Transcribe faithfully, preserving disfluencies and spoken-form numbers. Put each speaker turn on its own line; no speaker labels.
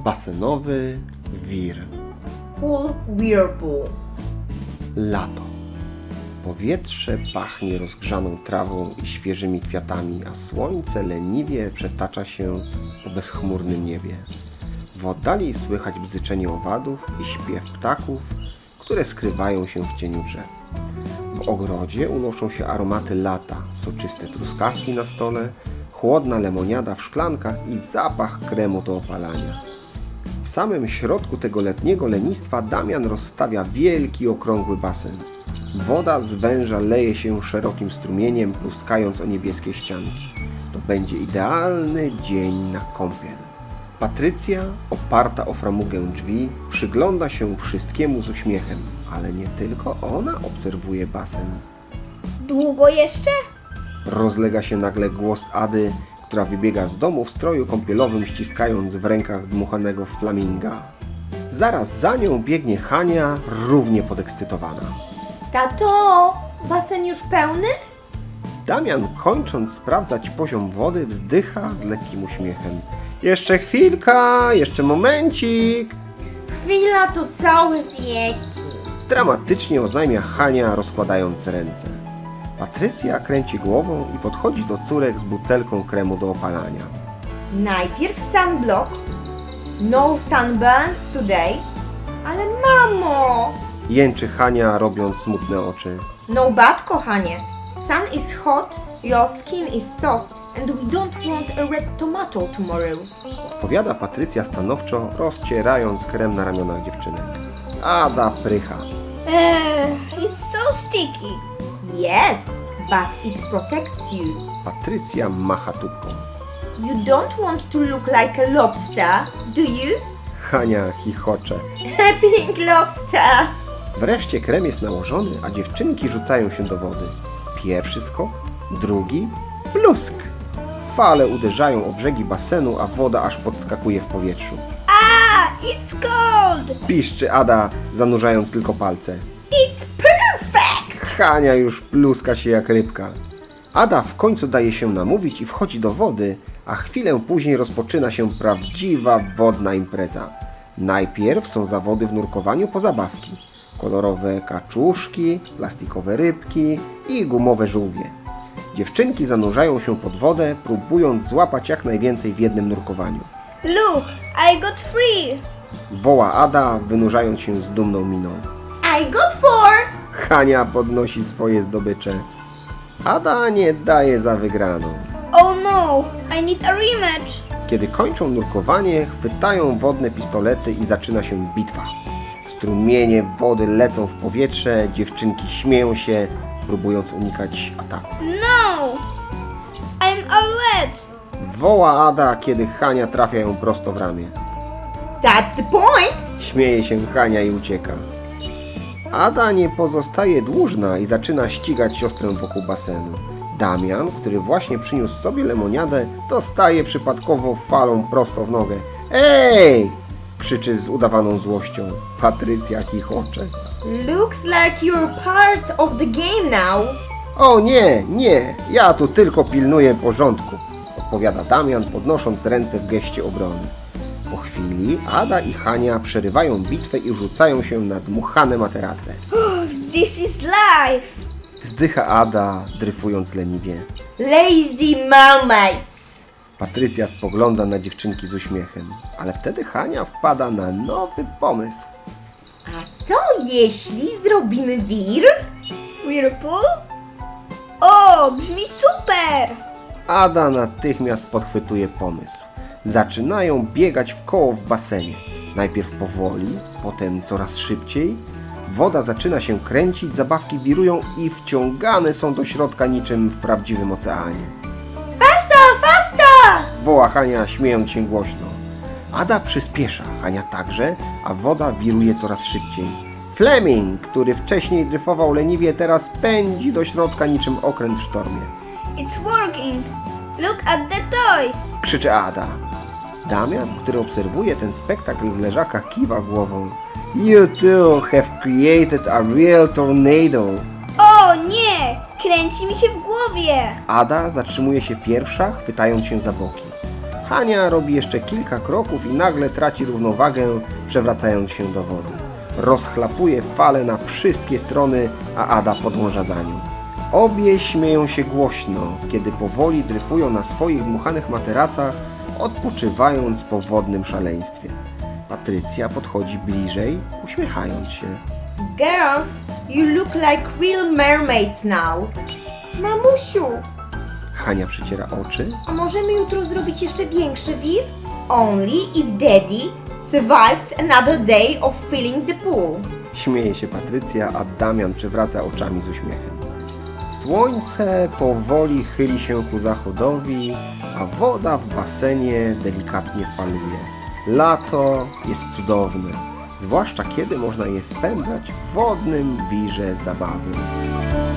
Basenowy wir.
Pool whirlpool.
Lato. Powietrze pachnie rozgrzaną trawą i świeżymi kwiatami, a słońce leniwie przetacza się po bezchmurnym niebie. W oddali słychać bzyczenie owadów i śpiew ptaków, które skrywają się w cieniu drzew. W ogrodzie unoszą się aromaty lata, soczyste truskawki na stole, chłodna lemoniada w szklankach i zapach kremu do opalania. W samym środku tego letniego lenistwa Damian rozstawia wielki, okrągły basen. Woda z węża leje się szerokim strumieniem, pluskając o niebieskie ścianki. To będzie idealny dzień na kąpiel. Patrycja, oparta o framugę drzwi, przygląda się wszystkiemu z uśmiechem, ale nie tylko ona obserwuje basen.
Długo jeszcze?
Rozlega się nagle głos Ady, która wybiega z domu w stroju kąpielowym, ściskając w rękach dmuchanego flaminga. Zaraz za nią biegnie Hania, równie podekscytowana.
Tato, basen już pełny?
Damian, kończąc sprawdzać poziom wody, wzdycha z lekkim uśmiechem. Jeszcze chwilka, jeszcze momencik!
Chwila to całe wieki.
Dramatycznie oznajmia Hania, rozkładając ręce. Patrycja kręci głową i podchodzi do córek z butelką kremu do opalania.
Najpierw sunblock. No sunburns today. Ale mamo!
Jęczy Hania, robiąc smutne oczy.
No bad, kochanie. Sun is hot, your skin is soft and we don't want a red tomato tomorrow.
Odpowiada Patrycja stanowczo, rozcierając krem na ramionach dziewczynek. Ada prycha.
Eee, it's so sticky.
Yes, but it protects you.
Patrycja macha tubką.
You don't want to look like a lobster, do you?
Hania chichocze.
Pink lobster.
Wreszcie krem jest nałożony, a dziewczynki rzucają się do wody. Pierwszy skok, drugi, plusk. Fale uderzają o brzegi basenu, a woda aż podskakuje w powietrzu.
Ah, it's cold.
Piszczy Ada, zanurzając tylko palce.
It's perfect.
Hania już pluska się jak rybka. Ada w końcu daje się namówić i wchodzi do wody, a chwilę później rozpoczyna się prawdziwa wodna impreza. Najpierw są zawody w nurkowaniu po zabawki. Kolorowe kaczuszki, plastikowe rybki i gumowe żółwie. Dziewczynki zanurzają się pod wodę, próbując złapać jak najwięcej w jednym nurkowaniu.
Look, I got three.
Woła Ada, wynurzając się z dumną miną.
I got four.
Hania podnosi swoje zdobycze. Ada nie daje za wygraną.
Oh no, I need a rematch.
Kiedy kończą nurkowanie, chwytają wodne pistolety i zaczyna się bitwa. Strumienie wody lecą w powietrze, dziewczynki śmieją się, próbując unikać ataków.
No, I'm all wet.
Woła Ada, kiedy Hania trafia ją prosto w ramię.
That's the point.
Śmieje się Hania i ucieka. Ada nie pozostaje dłużna i zaczyna ścigać siostrę wokół basenu. Damian, który właśnie przyniósł sobie lemoniadę, dostaje przypadkowo falą prosto w nogę. Ej! Krzyczy z udawaną złością. Patrycja chichocze.
Looks like you're part of the game now.
O nie, nie, ja tu tylko pilnuję porządku, odpowiada Damian, podnosząc ręce w geście obrony. Po chwili Ada i Hania przerywają bitwę i rzucają się na dmuchane materace.
This is life.
Wzdycha Ada, dryfując leniwie.
Lazy mermaids.
Patrycja spogląda na dziewczynki z uśmiechem, ale wtedy Hania wpada na nowy pomysł.
A co jeśli zrobimy wir?
Whirlpool? O, brzmi super.
Ada natychmiast podchwytuje pomysł. Zaczynają biegać w koło w basenie. Najpierw powoli, potem coraz szybciej. Woda zaczyna się kręcić, zabawki wirują i wciągane są do środka niczym w prawdziwym oceanie.
Fasta, fasta!
Woła Hania, śmiejąc się głośno. Ada przyspiesza, Hania także, a woda wiruje coraz szybciej. Fleming, który wcześniej dryfował leniwie, teraz pędzi do środka niczym okręt w sztormie.
It's working. Look at the toys.
Krzyczy Ada. Damian, który obserwuje ten spektakl z leżaka, kiwa głową. You too have created a real tornado.
O nie, kręci mi się w głowie.
Ada zatrzymuje się pierwsza, chwytając się za boki. Hania robi jeszcze kilka kroków i nagle traci równowagę, przewracając się do wody. Rozchlapuje fale na wszystkie strony, a Ada podąża za nią. Obie śmieją się głośno, kiedy powoli dryfują na swoich dmuchanych materacach, odpoczywając po wodnym szaleństwie. Patrycja podchodzi bliżej, uśmiechając się.
Girls, you look like real mermaids now. Mamusiu,
Hania przyciera oczy.
a możemy jutro zrobić jeszcze większy wir? Only if Daddy survives another day of filling the pool.
Śmieje się Patrycja, a Damian przewraca oczami z uśmiechem. Słońce powoli chyli się ku zachodowi, a woda w basenie delikatnie faluje. Lato jest cudowne, zwłaszcza kiedy można je spędzać w wodnym wirze zabawy.